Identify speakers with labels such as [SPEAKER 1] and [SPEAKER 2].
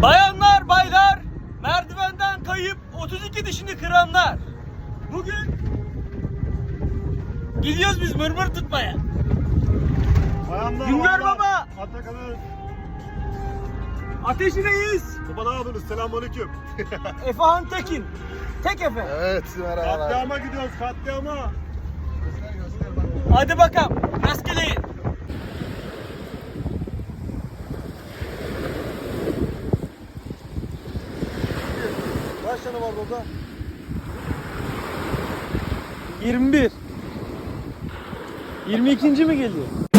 [SPEAKER 1] Bayanlar, baylar, merdivenden kayıp 32 dişini kıranlar. Bugün gidiyoruz biz mırmır tutmaya.
[SPEAKER 2] Bayanlar,
[SPEAKER 1] Güngör
[SPEAKER 2] baylar,
[SPEAKER 1] Baba.
[SPEAKER 2] Atakan'ın
[SPEAKER 1] Ateşineyiz.
[SPEAKER 2] baba ne yapıyorsunuz? Selamünaleyküm.
[SPEAKER 1] Efehan Tekin. Tek Efe.
[SPEAKER 3] Evet, merhabalar.
[SPEAKER 2] Katliama gidiyoruz, katliama.
[SPEAKER 1] Hadi bakalım. Rastgeleyin.
[SPEAKER 2] Kaç tane var burada?
[SPEAKER 1] 21. 22. mi geliyor?